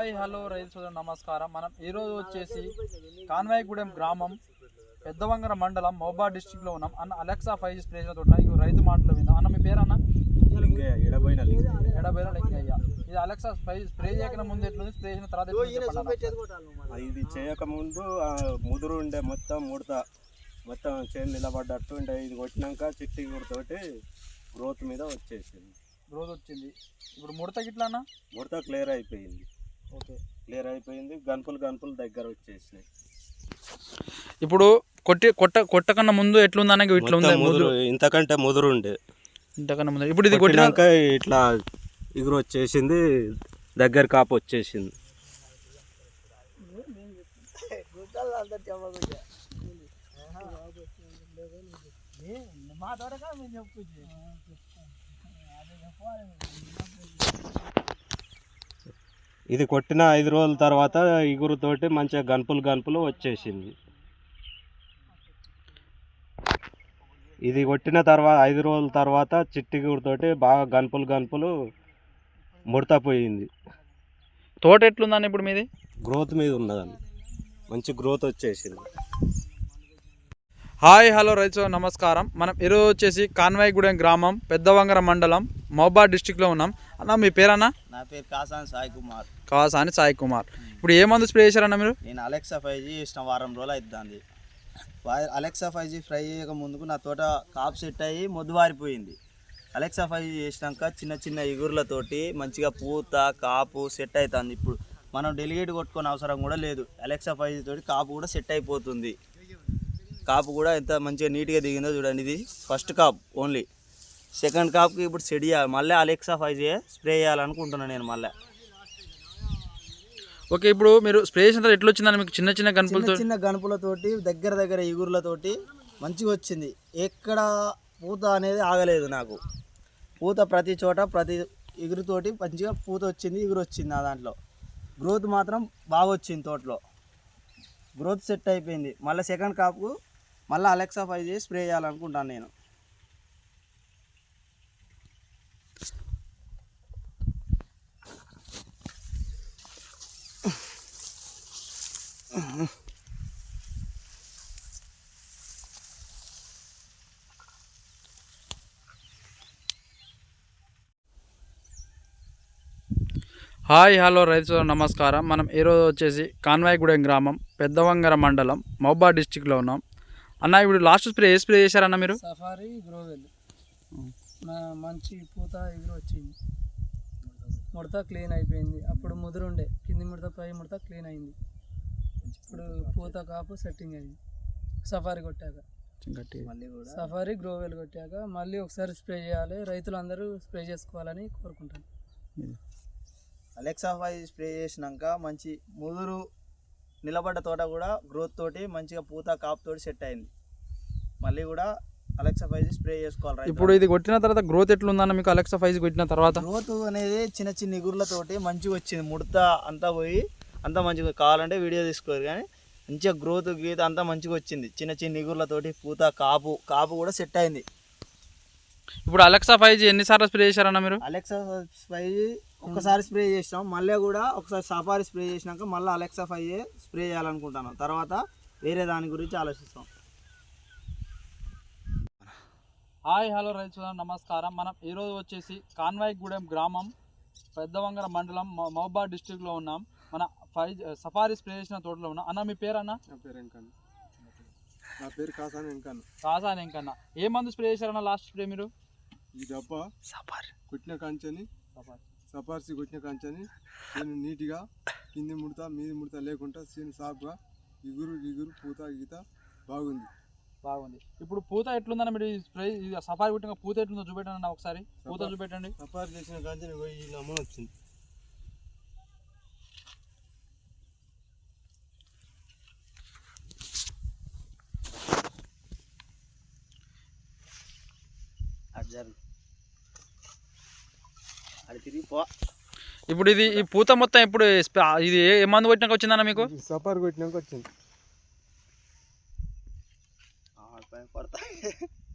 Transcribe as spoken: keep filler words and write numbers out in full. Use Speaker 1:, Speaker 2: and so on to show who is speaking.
Speaker 1: Hi hello రైతు సోదరు నమస్కారం. మనం ఈరోజు వచ్చేసి కాన్వాయిగూడెం గ్రామం పెద్దవంగర మండలం మహబూబాబాద్ డిస్ట్రిక్ట్లో ఉన్నాం. అన్న అలెక్సా ఫైవ్ జీ స్ప్రే చేస్తున్నా. ఇవి రైతు మాటలు విందాం. అన్న మీ పేరు అన్న?
Speaker 2: ఎడబోయిన
Speaker 1: ఎడబోయిన లింగయ్య. ఇది అలెక్సా ఫైవ్ స్ప్రే చేయక ముందు ఎట్లుంది, స్ప్రే చేసిన తర్వాత
Speaker 2: ఇది చేయక ముందు ముదురు ఉండే మొత్తం ముడత మొత్తం చేను నిలబడ్డట్టు ఉండే. ఇది కొట్టినాక చిట్టి గుడితోటి గ్రోత్ మీద వచ్చేసింది.
Speaker 1: గ్రోత్ వచ్చింది. ఇప్పుడు ముడత గిట్లా అన్న
Speaker 2: ముడత క్లియర్ అయిపోయింది.
Speaker 1: ఓకే,
Speaker 2: క్లియర్ అయిపోయింది. గన్పులు గన్పులు దగ్గర వచ్చేసినాయి.
Speaker 1: ఇప్పుడు కొట్టి కొట్ట కొట్టకన్నా ముందు ఎట్లుంది అన్న? ఇట్లా ఉంది
Speaker 2: ముదురు, ఇంతకంటే ముదురు ఉండే
Speaker 1: ఇంతకన్నా ముందు. ఇప్పుడు ఇది
Speaker 2: కొట్టినాక ఇట్లా ఇగురు వచ్చేసింది, దగ్గర కాపు వచ్చేసింది. ఇది కొట్టిన ఐదు రోజుల తర్వాత ఇగురుతోటి మంచిగా గన్పులు గన్పులు వచ్చేసింది. ఇది కొట్టిన తర్వాత ఐదు రోజుల తర్వాత చిట్టిగురుతోటి బాగా గన్పులు గన్పులు ముడతపోయింది.
Speaker 1: తోట ఎట్లుందని ఇప్పుడు మీది?
Speaker 2: గ్రోత్ మీద ఉన్నదని మంచి గ్రోత్ వచ్చేసింది.
Speaker 1: హాయ్ హలో రైతు నమస్కారం. మనం ఈరోజు వచ్చేసి కాన్వాయిగూడెం గ్రామం పెద్దవంగర మండలం మహబూబాబాద్ డిస్ట్రిక్ట్లో ఉన్నాం. అన్న మీ పేరన్న?
Speaker 3: నా పేరు కాసాని సాయి కుమార్.
Speaker 1: కాసాని సాయి కుమార్. ఇప్పుడు ఏ మందు స్ప్రే చేశారన్న మీరు?
Speaker 3: నేను అలెక్సా ఫైవ్ జీ ఇష్టం వారం రోజులు అవుతుంది. అలెక్సా ఫైవ్ జీ ఫ్రై చేయక ముందుకు నా తోట కాపు సెట్ అయ్యి మొద్దు వారిపోయింది. అలెక్సా ఫైవ్ జీ చేసినాక చిన్న చిన్న ఇగుర్లతోటి మంచిగా పూత కాపు సెట్ అవుతుంది. ఇప్పుడు మనం డెలిగేట్ కొట్టుకునే అవసరం కూడా లేదు. అలెక్సా ఫైవ్ జీ తోటి కాపు కూడా సెట్ అయిపోతుంది. కాపు కూడా ఎంత మంచిగా నీట్గా దిగిందో చూడండి. ఇది ఫస్ట్ కాప్ ఓన్లీ. సెకండ్ కాప్కి ఇప్పుడు సెట్ చేయాలి. మళ్ళీ అలెక్సా ఫైవ్ జీ స్ప్రే చేయాలనుకుంటున్నాను నేను మళ్ళీ.
Speaker 1: ఓకే, ఇప్పుడు మీరు స్ప్రే చేసిన తర్వాత ఎట్లా వచ్చిందని మీకు? చిన్న చిన్న గనుపులతో
Speaker 3: చిన్న గనుపులతోటి దగ్గర దగ్గర ఇగుర్లతోటి మంచిగా వచ్చింది. ఎక్కడ పూత అనేది ఆగలేదు నాకు. పూత ప్రతి చోట ప్రతి ఇగురుతోటి మంచిగా పూత వచ్చింది, ఇగురు వచ్చింది. ఆ దాంట్లో గ్రోత్ మాత్రం బాగా వచ్చింది. తోటలో గ్రోత్ సెట్ అయిపోయింది. మళ్ళీ సెకండ్ కాప్కు మళ్ళీ అలెక్సా ఫైవ్ జీ స్ప్రే చేయాలనుకుంటాను నేను.
Speaker 1: హాయ్ హలో రైతు నమస్కారం. మనం ఈరోజు వచ్చేసి కాన్వాయిగూడెం గ్రామం పెద్దవంగర మండలం మహబూబాబాద్ డిస్ట్రిక్ట్లో ఉన్నాం. అన్న ఇప్పుడు లాస్ట్ స్ప్రే ఏ స్ప్రే చేశారన్న మీరు?
Speaker 4: Safari Growel. మంచి పూత ఎగురు వచ్చింది. ముడత క్లీన్ అయిపోయింది. అప్పుడు ముదురు ఉండే, కింది ముడత పై ముడత క్లీన్ అయింది. ఇప్పుడు పూత కాపు సెట్టింగ్ అయింది. సఫారీ కొట్టాక సఫారీ గ్రోవెల్ కొట్టాక మళ్ళీ ఒకసారి స్ప్రే చేయాలి. రైతులందరూ స్ప్రే చేసుకోవాలని కోరుకుంటాను.
Speaker 3: అలెక్సా ఫైవ్ స్ప్రే చేసినాక మంచి ముదురు నిలబడ్డ తోట కూడా గ్రోత్ తోటి మంచిగా పూత కాపు తోటి సెట్ అయింది. మళ్ళీ కూడా అలెక్సా ఫైవ్ స్ప్రే చేసుకోవాలి.
Speaker 1: ఇప్పుడు ఇది కొట్టిన తర్వాత గ్రోత్ ఎట్లుందన్న మీకు? అలెక్సా ఫైవ్ కొట్టిన తర్వాత
Speaker 3: గ్రోత్ అనేది చిన్న చిన్న ఇగుర్లతోటి మంచిగా వచ్చింది. ముడత అంతా పోయి అంతా మంచిగా, కావాలంటే వీడియో తీసుకోరు కానీ మంచిగా గ్రోత్ గీత అంతా మంచిగా వచ్చింది. చిన్న చిన్న ఇగుర్లతోటి పూత కాపు కాపు కూడా సెట్ అయింది.
Speaker 1: ఇప్పుడు అలెక్సా ఫైవ్ జీ ఎన్నిసార్లు స్ప్రే చేశారన్న మీరు?
Speaker 3: అలెక్సా ఫైవ్ ఒకసారి స్ప్రే చేసినాం. మళ్ళీ కూడా ఒకసారి సఫారీ స్ప్రే చేసినాక మళ్ళీ అలెక్సా ఫైవ్ స్ప్రే చేయాలనుకుంటున్నాం. తర్వాత వేరే దాని గురించి ఆలోచిస్తాం.
Speaker 1: హాయ్ హలో రైతు నమస్కారం. మనం ఈరోజు వచ్చేసి కాన్వాయిగూడెం గ్రామం పెద్దవంగర మండలం మహబూబాబాద్ డిస్ట్రిక్ట్లో ఉన్నాం. మన ఫైవ్ సఫారీ స్ప్రే చేసిన తోటలో ఉన్నాం. అన్న మీ పేరు అన్న?
Speaker 2: నా పేరు వెంకన్న. నా పేరు కాసాని వెంకన్న.
Speaker 1: కాసాని వెంకన్న. ఏ మందు స్ప్రే చేశారన్న లాస్ట్ స్ప్రే మీరు?
Speaker 2: ఈ డబ్బా సఫారీ కొట్టిన కంచెని సఫార్సి కొట్టిన కంచెని నేను నీట్గా కింది ముడత మీది ముడత లేకుండా సీన్ సాఫ్గా ఇగురు ఇగురు పూత గీత బాగుంది
Speaker 1: బాగుంది. ఇప్పుడు పూత ఎట్లుందన్న మీరు? స్ప్రే సఫారీ కొట్టిన పూత ఎట్లుందో చూపెట్టండి అన్న ఒకసారి. పూత చూపెట్టండి.
Speaker 2: సఫారీ చేసిన కంచెని పోయి నమ్మని వచ్చింది.
Speaker 1: ఇప్పుడు ఇది ఈ పూత మొత్తం ఇప్పుడు ఇది ఏ మందు కొట్టినాక వచ్చిందన్న మీకు?
Speaker 2: సఫారీ కొట్టినాక వచ్చింది.
Speaker 3: పడతా